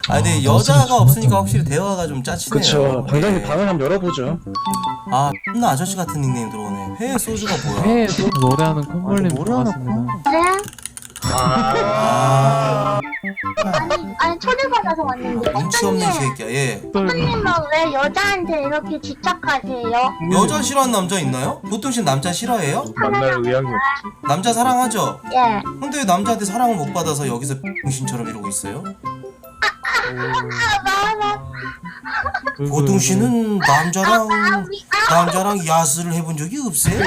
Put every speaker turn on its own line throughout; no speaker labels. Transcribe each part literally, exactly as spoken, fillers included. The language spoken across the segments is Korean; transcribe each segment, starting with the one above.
아 근데 여자가 없으니까 확실히 대화가 좀 짜치네요.
그쵸. 방장님
네.
방을 한번 열어보죠.
아 나 아저씨 같은 닉네임 들어오네. 회 소주가 뭐야?
회 노래하는 콧물님
노래하는
반갑습니다.
네?
아
아니, 아니 초대받아서 왔는데
눈치 없는 새끼야. 예.
선생님은 왜 여자한테 이렇게 집착하세요?
여자 싫어하는 남자 있나요? 보통 씨 남자 싫어해요?
만날 의향이 없지.
남자 사랑하죠?
예.
근데 왜 남자한테 사랑을 못 받아서 여기서 병신처럼 이러고 있어요?
아, 나,
보통 씨는 남자랑
아, 우리, 아,
남자랑 야스를 해본 적이 없어요?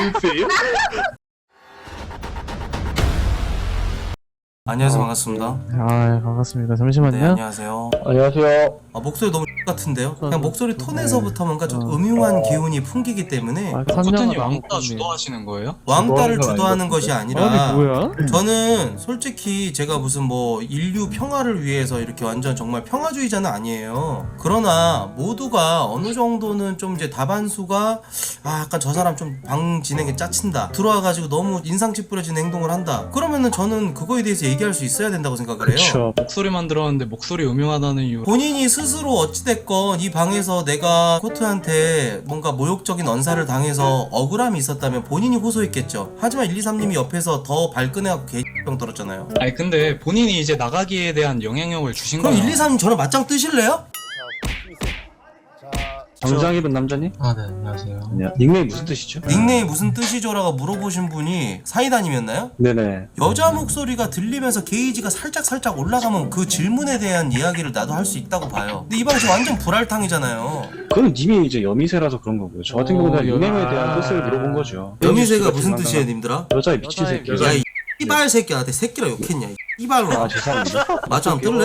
안녕하세요, 반갑습니다.
아 반갑습니다. 잠시만요.
네, 안녕하세요.
안녕하세요.
아, 목소리 너무 같은데요? 그냥 목소리 톤에서부터 뭔가 좀 음흉한 기운이 풍기기 때문에
아,
코트님
선녀가
왕따
나무
주도하시는 거예요?
왕따를
주도하는 건
주도하는
아니고.
것이 아니라
아니 뭐야?
저는 솔직히 제가 무슨 뭐 인류 평화를 위해서 이렇게 완전 정말 평화주의자는 아니에요. 그러나 모두가 어느 정도는 좀 이제 다반수가 아 약간 저 사람 좀 방 진행에 짜친다, 들어와가지고 너무 인상 찌푸려진 행동을 한다, 그러면은 저는 그거에 대해서 얘기할 수 있어야 된다고 생각을 해요.
그쵸.
목소리만 들었는데 목소리 음흉하다는 이유.
본인이 스스로 어찌됐건 이 방에서 내가 코트한테 뭔가 모욕적인 언사를 당해서 억울함이 있었다면 본인이 호소했겠죠. 하지만 일이삼님이 옆에서 더 발끈해갖고 개병 떨었잖아요.
아니 근데 본인이 이제 나가기에 대한 영향력을 주신
그럼
거야.
일이삼님 저랑 맞짱 뜨실래요?
정장 입은 남자님?
아, 네, 안녕하세요.
아니요. 닉네임 무슨 뜻이죠?
닉네임 무슨 뜻이죠라고 물어보신 분이 사이다님이었나요?
네네.
여자 목소리가 들리면서 게이지가 살짝 살짝 올라가면 그 질문에 대한 이야기를 나도 할 수 있다고 봐요. 근데 이 방식 완전 불알탕이잖아요.
그건 님이 이제 여미새라서 그런 거고요. 저 같은
어,
경우는
여미-
닉네임에 대한
아.
뜻을 물어본 거죠.
여미새가 무슨 뜻이에요, 님들아?
여자의 미친
여자의
새끼.
여자-
야, 이 이발 새끼야. 나한테 새끼라 욕했냐? 이 이발로.
아 죄송합니다.
맞짱 뜰래?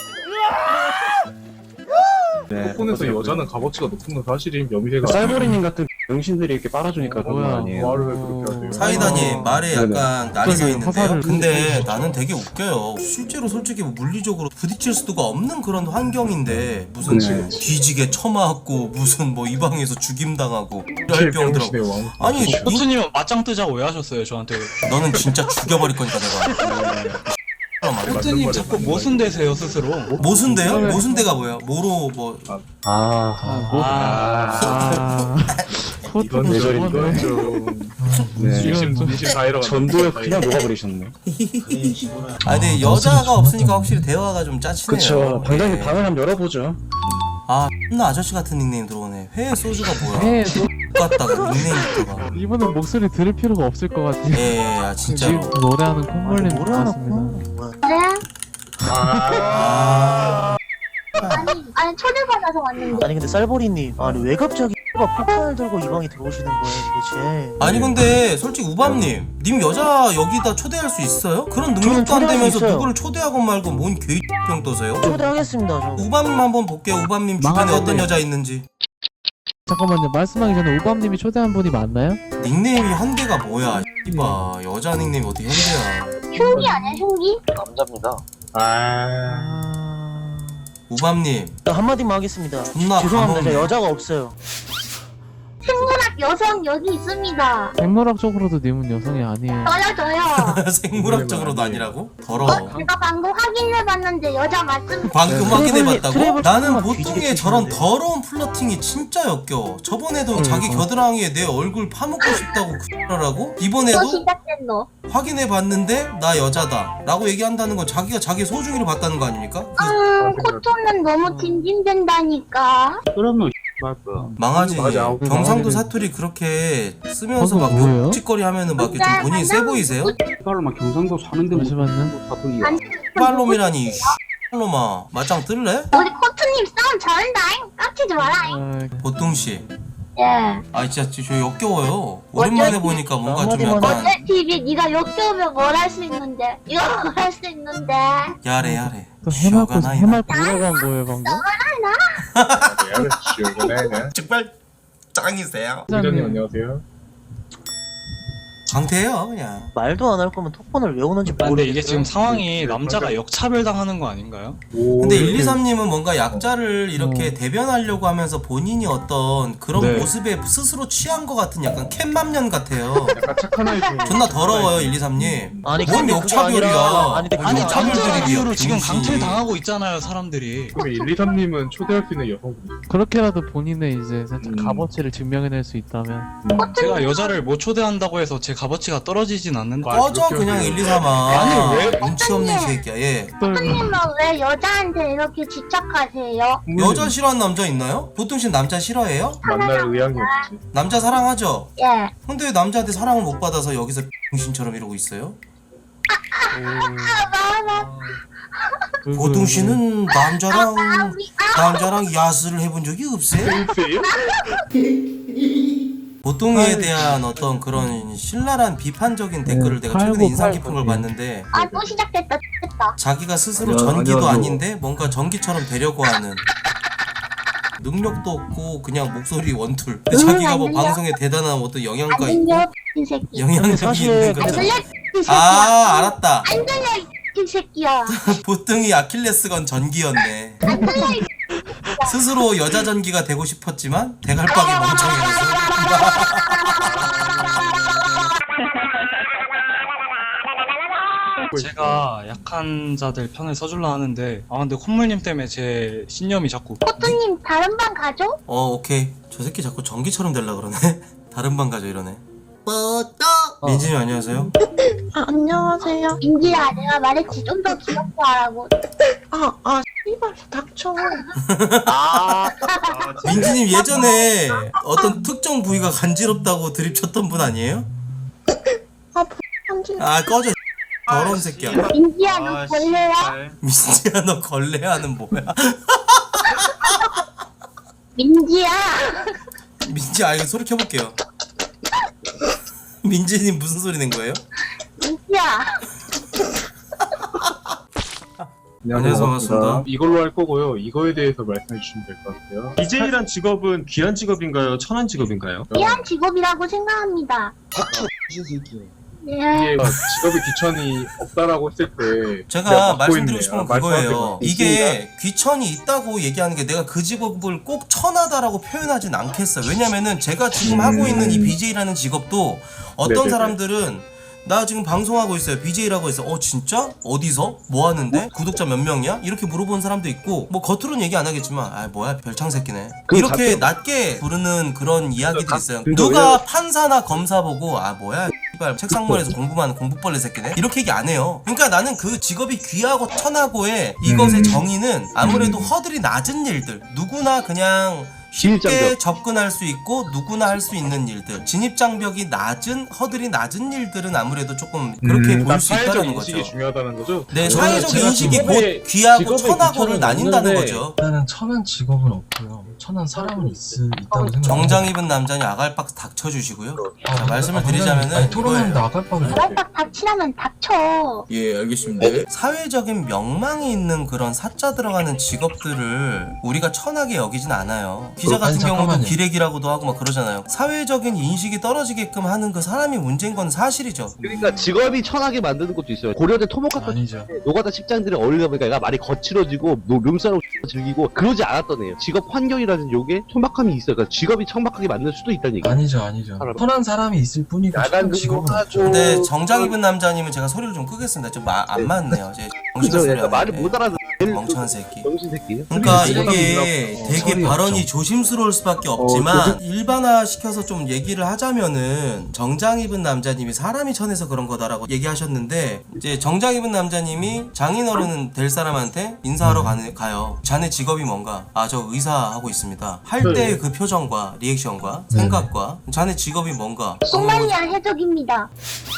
네.
폰에서 여자는 값어치가 높은 건 사실임. 여미새가
쌀보리님 같은 병신들이 이렇게 빨아주니까 그런 거
뭐야?
아니에요.
말을 왜 그렇게 하세요?
사이다님 말에
네네.
약간 날이 서 있는데요.
화살을
근데 나는 되게 웃겨요. 실제로 솔직히 뭐 물리적으로 부딪힐 수가 없는 그런 환경인데 무슨
네.
뒤지게 처맞고 무슨 뭐 이 방에서 죽임당하고 이럴
제일
병들어.
병신의 왕.
아니 누-
코트님은 맞짱 뜨자고 왜 하셨어요, 저한테?
너는 진짜 죽여버릴 거니까 내가.
코트님 자꾸 모순되세요, 스스로.
모순대요? 모순대가 뭐야? 뭐로 뭐
아,
뭐-
아,
아
이건
코트도
좀
저번에
이건 좀
네.
이십 이십 다이러
전도에 그냥 녹아버리셨네.
아 근데 여자가 없으니까 확실히 대화가 좀 짜치네요.
그쵸. 방장님
네.
방을 한번 열어보죠.
아 나 아저씨 같은 닉네임 들어오네. 회 소주가 뭐야?
회 노-
똑같다가 닉네임부터가.
이분은 목소리 들을 필요가 없을 것 같아요.
예, 아 진짜로.
지금 노래하는 콧물님 반갑습니다.
네?
아,
아니, 아니 초대받아서 왔는데
아니 근데 쌀보리님 아니 왜 갑자기 X가 폭탄을 들고 이 방에 들어오시는 거예요 도대체.
아니 근데 솔직히 우밤님, 님 여자 여기다 초대할 수 있어요? 그런 능력도 안
초대할 수
되면서
있어요.
누구를 초대하고 말고 뭔 개병 떠세요?
초대하겠습니다 저.
우밤님 한번 볼게요. 우밤님 주변에
망하겠네.
어떤 여자 있는지.
잠깐만요. 말씀하기 전에 오밤님이 초대한 분이 맞나요?
닉네임이 현대가 뭐야? 이봐 여자 닉네임이 어떻게 현대야?
흉기 아니야 흉기?
남자입니다.
아
아...
우밤님
저 한마디만 하겠습니다.
존나
죄송합니다. 저
가뭄네.
여자가 없어요.
생물학 여성 여기 있습니다.
생물학적으로도 님은 여성이 아니에요.
저요 저요.
생물학적으로도 아니라고? 더러워.
제가 방금 확인해봤는데 여자 맞습니다.
방금
트래블-
확인해봤다고?
트래블
나는
조금만
보통의
뒤지게
저런
치는데.
더러운 플러팅이 진짜 역겨워. 저번에도 자기 겨드랑이에 내 얼굴 파묻고 싶다고 그러라고?
또
이번에도
시작됐노.
확인해봤는데 나 여자다 라고 얘기한다는 건 자기가 자기 소중이를 봤다는 거 아닙니까? 그
음, 코토는 너무 징징댄다니까.
그러면 말까.
망하지.
맞아.
경상도 사투리 그렇게 쓰면서 막
방금 뭐예요?
욕짓거리 하면은 막 이렇게 좀 본인이 세 보이세요?
이발로만 경상도 사는데 뭐
잠시만요.
사투리야.
아니,
빨놈이라니 놈아 맞짱 뜰래?
우리 코트님 싸움 잘한다잉. 깝치지 마라잉.
아,
보통씨
예.
아 진짜 저 역겨워요. 오랜만에 보니까 뭔가 좀
한마디만
약간
어제 티비 네가 역겨우면 뭘 할 수 있는데 이거 뭘 할 수 있는데
야래 야래
또 해맑고
시어가 나이나
해맑고 돌아간 거예요 방금?
네, 지옥이네.
정말 짱이세요.
부장님 안녕하세요.
강태예요 그냥.
말도 안 할 거면 톡폰을 왜 오는지
근데
모르겠어요.
이게 지금 상황이 남자가 역차별 당하는 거 아닌가요?
근데 일이삼님은 뭔가 약자를 이렇게 대변하려고 하면서 본인이 어떤 그런
네.
모습에 스스로 취한 것 같은 약간 캣맘년 같아요.
약간 착한 아이 중
존나 더러워요 일이삼님.
아니,
뭔
근데 그게
역차별이야.
아니라- 아니, 근데
뭔
아니
그게
남자
역차별들이야,
이유로 지금
병신.
강퇴 당하고 있잖아요 사람들이.
그러면 일, 이, 삼님은 초대할 수 있는 여성분.
그렇게라도 본인의 이제 살짝
음.
값어치를 증명해낼 수 있다면
제가 여자를 못 초대한다고 해서 제 값어치가 떨어지진 않는데.
꺼져 그냥 일이삼아.
아니, 왜?
눈치 없는 새끼야. 예.
선생님은 왜 여자한테 이렇게 집착하세요?
여자 싫어하는 남자 있나요? 보통 신 남자 싫어해요?
만날 의향이 없지.
남자 사랑하죠?
예.
근데 왜 남자한테 사랑을 못 받아서 여기서 병신처럼 이러고 있어요? 보통 씨는 남자랑 남자랑 야스를 해본 적이 없어요?
글쎄요?
보통에 대한 어떤 그런 신랄한 비판적인 댓글을 내가 최근에
팔고
인상
팔고
깊은 걸
예.
봤는데
아, 또 시작됐다. 됐다.
자기가 스스로
아니야,
전기도
아니야,
아닌데 뭔가 전기처럼 되려고 하는 능력도 없고 그냥 목소리 원툴 근데
응,
자기가 뭐
안 들려.
방송에 대단한 어떤 영향가
안
있고
들려, 이 새끼.
영향력이
사실
있는
근데
거죠.
들려, 이 새끼야.
아 알았다.
안 들려, 이 새끼야.
보통이 아킬레스건 전기였네.
안 들려, 이
스스로 여자 전기가 되고 싶었지만 대갈박이 멍청해서
제가 약한 자들 편을 서줄라 하는데 아 근데 콧물님 때문에 제 신념이 자꾸
포토님 다른 방 가죠?
어 오케이 저 새끼 자꾸 전기처럼 될라 그러네. 다른 방 가죠 이러네. 뽀또 민진이 안녕하세요.
아, 안녕하세요.
민지야, 내가 말했지. 좀 더 귀엽게 하라고.
아, 아, 씨발, 닥쳐.
아,
민지님 예전에 어떤 특정 부위가 간지럽다고 드립쳤던 분 아니에요?
아, 한지.
아 꺼져 더러운 새끼야.
민지야, 너 벌레야?
민지야 너 걸레하는 뭐야?
민지야.
민지 아 이거 소리 켜볼게요. 민지님 무슨 소리 낸 거예요?
민지야.
안녕하세요 반갑습니다.
이걸로 할 거고요. 이거에 대해서 말씀해 주시면 될 것 같아요.
비제이란 직업은 귀한 직업인가요? 천한 직업인가요?
귀한 직업이라고 생각합니다. 예.
이게 직업에 귀천이 없다라고 했을 때
제가
내가 맡고
말씀드리고
있네요.
싶은 건
말씀하세요.
그거예요. 이게 귀천이 있다고 얘기하는 게 내가 그 직업을 꼭 천하다라고 표현하진 않겠어요. 왜냐면은 제가 지금 하고 있는 이 비제이라는 직업도 어떤
네네네.
사람들은 나 지금 방송하고 있어요. 비제이라고 해서 어 진짜? 어디서? 뭐 하는데? 구독자 몇 명이야? 이렇게 물어보는 사람도 있고 뭐 겉으로는 얘기 안 하겠지만 아 뭐야 별창 새끼네
그
이렇게
가끔-
낮게 부르는 그런 이야기들이
가-
있어요.
근데
누가
왜냐면-
판사나 검사 보고 아 뭐야 씨발 책상머리에서 공부만 하는 공부벌레 새끼네 이렇게 얘기 안 해요. 그러니까 나는 그 직업이 귀하고 천하고의 이것의 정의는 아무래도 허들이 낮은 일들 누구나 그냥 쉽게
진입장벽.
접근할 수 있고 누구나 할 수 있는 일들 진입장벽이 낮은 허들이 낮은 일들은 아무래도 조금 그렇게 보일 수
사회적
있다는
인식이
거죠.
중요하다는 거죠?
네,
저는
사회적
제가
인식이
직업에-
곧 귀하고
직업에
천하고를
귀천은
나뉜다는
없는데
거죠.
일단은 천한 직업은 없고요. 천한 사람은 있, 있다고 생각합니다.
정장 입은 남자니 아갈박 닥쳐주시고요. 자, 말씀을 드리자면은
아니, 토론은
이거예요.
나갈빵을
딱 닥치라면 닥쳐.
예 알겠습니다.
사회적인 명망이 있는 그런 사자 들어가는 직업들을 우리가 천하게 여기진 않아요. 기자 같은
아니,
경우도
잠깐만요.
기레기라고도 하고 막 그러잖아요. 사회적인 인식이 떨어지게끔 하는 그 사람이 문제인 건 사실이죠.
그러니까 직업이 천하게 만드는 것도 있어요. 고려대 토목학과
아니죠.
노가다 직장들이 어울리다 보니까 얘가 말이 거칠어지고 노- 룸싸로 즐기고 그러지 않았던 애예요. 직업 환경이라는 요게 천박함이 있어요. 그러니까 직업이 천박하게 만들 수도 있다는 얘기.
아니죠, 아니죠.
사람.
천한 사람이 있을 뿐이고
야간
천한 직업은
근무하죠.
없죠.
근데 정장 입은 남자님은 제가 소리를 좀 끄겠습니다. 좀 안 맞네요. 제 정신
그죠?
소리
그러니까 말을
하네.
못 알아듣는
멍청한 새끼.
정신 새끼.
그러니까
소리가
이게
어,
되게
소리
발언이
없죠.
조심스러울 수밖에 없지만 일반화시켜서 좀 얘기를 하자면은 정장 입은 남자님이 사람이 천해서 그런 거다라고 얘기하셨는데 이제 정장 입은 남자님이 장인어른 될 사람한테 인사하러 가는, 가요. 자네 직업이 뭔가? 아 저 의사 하고 있습니다. 할 때 그 표정과 리액션과 생각과 자네 직업이 뭔가?
소말리아 해적입니다.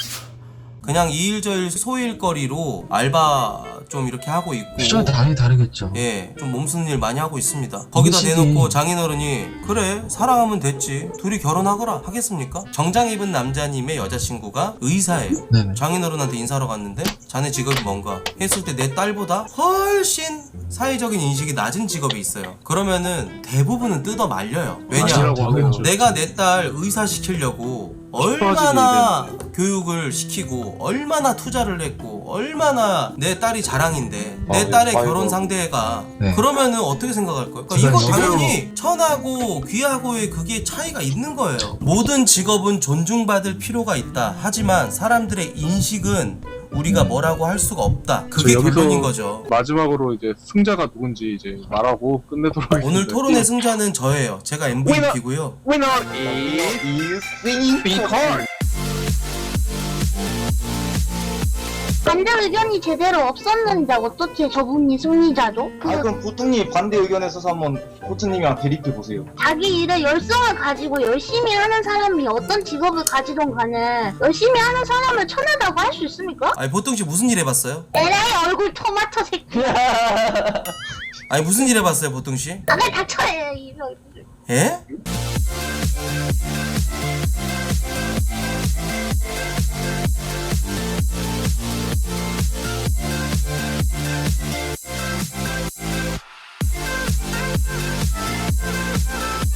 그냥 이일저일 소일거리로 알바 좀 이렇게 하고 있고
시절이 당연히 다르겠죠.
예, 좀 몸쓰는 일 많이 하고 있습니다. 거기다
인식이-
내놓고 장인어른이 그래 사랑하면 됐지 둘이 결혼하거라 하겠습니까? 정장 입은 남자님의 여자친구가 의사예요.
네네.
장인어른한테 인사하러 갔는데 자네 직업이 뭔가 했을 때 내 딸보다 훨씬 사회적인 인식이 낮은 직업이 있어요. 그러면은 대부분은 뜯어 말려요. 왜냐?
아니라고 하겠죠.
내가 내 딸 의사 시키려고 얼마나 교육을 시키고 얼마나 투자를 했고 얼마나 내 딸이 자랑인데 내
아,
딸의
네.
결혼
아이고.
상대가
네.
그러면은 어떻게 생각할 거예요? 그러니까
제가
이거
이거-
당연히 천하고 귀하고의 그게 차이가 있는 거예요. 모든 직업은 존중받을 필요가 있다. 하지만 사람들의 인식은 우리가 뭐라고 할 수가 없다. 그게
저 여기서
결론인 거죠.
마지막으로 이제 승자가 누군지 이제 말하고 끝내도록 하겠습니다.
오늘 토론의 승자는 저예요. 제가 엠브이피고요.
위너 is singing because
반대 의견이 제대로 없었는데 어떻게 저분이 승리자죠? 그
아 그럼 보통님 반대 의견에 서서 한번 코트님이랑 대립해 보세요.
자기 일에 열성을 가지고 열심히 하는 사람이 어떤 직업을 가지던 간에 열심히 하는 사람을 천하다고 할 수 있습니까?
아니 보통 씨 무슨 일 해봤어요?
에라이 얼굴 토마토 새끼.
아니 무슨 일 해봤어요 보통 씨?
아까 닥쳐요 이거.
예?